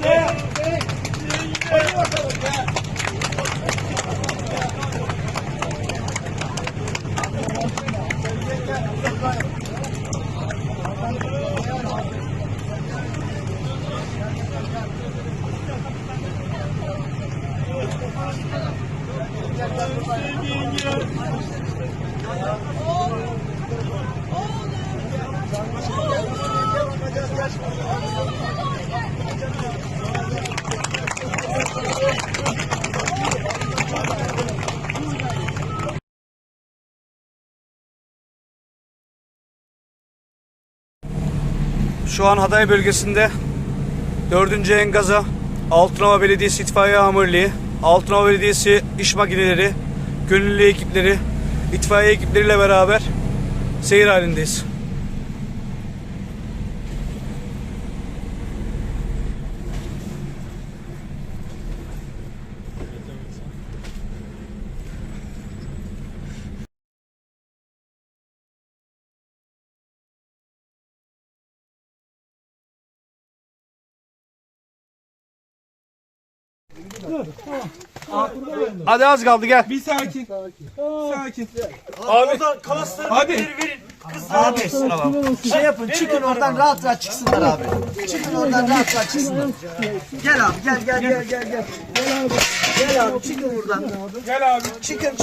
Şu an Hatay bölgesinde 4. Engaza, Altınova Belediyesi İtfaiye Amirliği, Altınova Belediyesi İş Makineleri, gönüllü ekipleri, itfaiye ekipleriyle beraber seyir halindeyiz. Hadi az kaldı, gel. Bir sakin. Sakin. Abi. Hadi. Abi şey yapın, çıkın oradan rahat rahat çıksınlar abi. Çıkın oradan rahat rahat çıksınlar. Gel abi, gel. Gel abi, çıkın buradan. Gel abi. Çıkın.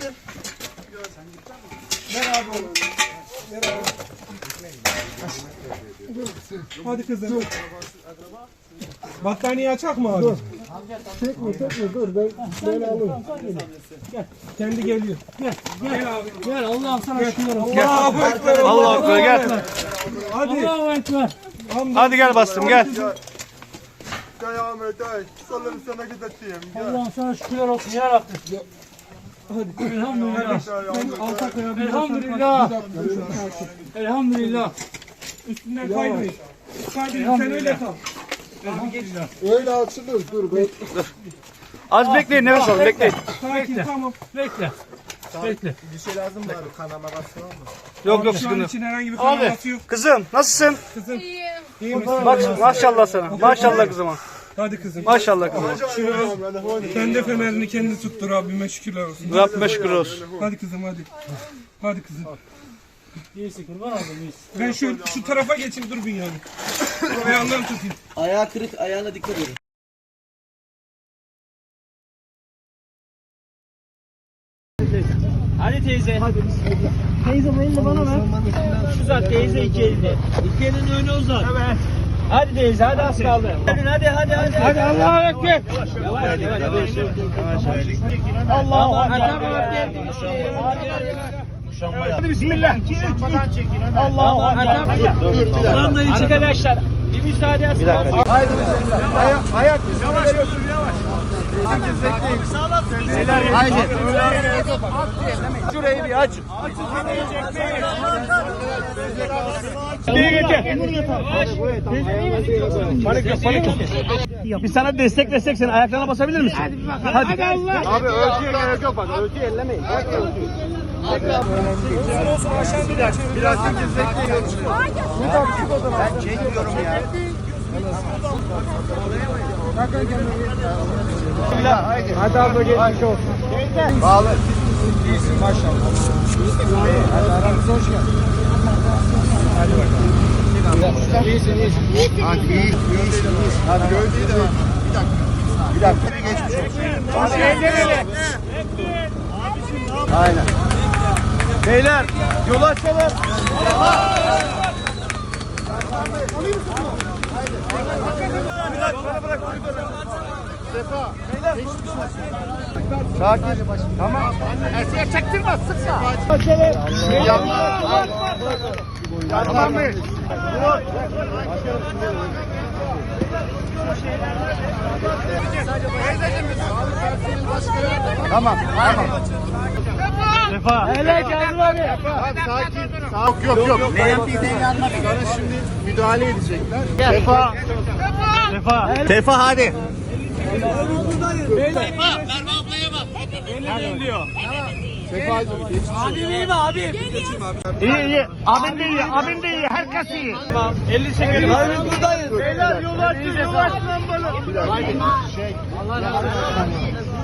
Hadi kızım. Battaniye açak mı abi? Çekme dur ben alayım. Gel. Kendi geliyor. Gel abi. Gel Allah'ım sana şükürler olsun. Allahu Ekber. Allahu Ekber, gel. Hadi. Allahu Ekber. Hadi gel bastım, gel. Gel Ahmet ay. Sallarım sana gideceğim. Allah'ım sana şükürler olsun ya Rabbim. Hadi. Elhamdülillah. Sen alta koyabilirsin. Elhamdülillah. Elhamdülillah. Üstünden kaymayın. Kaymayın. Sen öyle kal. Öyle açılır dur ben. Az bekleyin, nefes alın, bekleyin. Sakin, tamam. Bekle. Bir şey lazım mı abi? Kanama basıyor mu? Yok Şu an sıkıntı. için herhangi bir Abi, kanaması yok. kızım nasılsın? Kızım. İyi misin? Bak maşallah sana. Maşallah kızıma. Hadi kızım. Maşallah kızıma. Sen de fenerini kendi tuttu, Rabbime şükürler olsun. Rabbime şükür olsun. Hadi kızım hadi. Hadi kızım. İyisin kurban oldum iyisin. Ben şu tarafa geçeyim, dur bir yani. Ayağından tutayım. Ayağı kırık, ayağına dikkat edin. Hadi teyze. Hadi bismillah. Teyze bu elini bana ver. Uzat teyze iki elini. İki elini öne uzat. Evet. Hadi teyze hadi az kaldı. Hadi. Hadi Allahu Ekber. Yavaş. Allahu Ekber. Hadi bismillah. Allahu Ekber. Ulan da içi arkadaşlar. Bir müsaade etsin. Haydi bismillah. Ayak yavaş yavaş. Herkes bekleyin. Haydi. Şurayı bir aç. Biz sana destek versek sen ayaklarına basabilir misin? Hadi Allah. Abi ölçüye gerek yok bak. Ölçüyü ellemeyin. Biraz herkes bekleyin. Ben çekiyorum ya. Hadi abla geçmiş olsun. Bağlı. İyisin maşallah. Hadi aramıza hoş geldin. Hadi bakalım. İyisin. Hadi iyisin. Hadi gövdeyi de ver. Bir dakika. Geçmiş olsun. Hadi ellerine. Aynen. Beyler yolu açalım. Sefa. Sakin. Tamam. Erseğe çektirme, sıkma. Açalım. Yapma. Tamam mı? Tamam. Sefa. Hele Kazım abi. Hadi sakin. Yok. Sana şimdi müdahale edecekler. Sefa. Sefa hadi. Sefa, Merve ablaya bak. Elini diyor. Abim iyi mi abim? İyi. Abim de iyi. Abim de iyi. Herkes iyi. Tamam. 50 çekelim. Abi buradayız. Beyler yol açın. Yol açın. Allah razı olsun.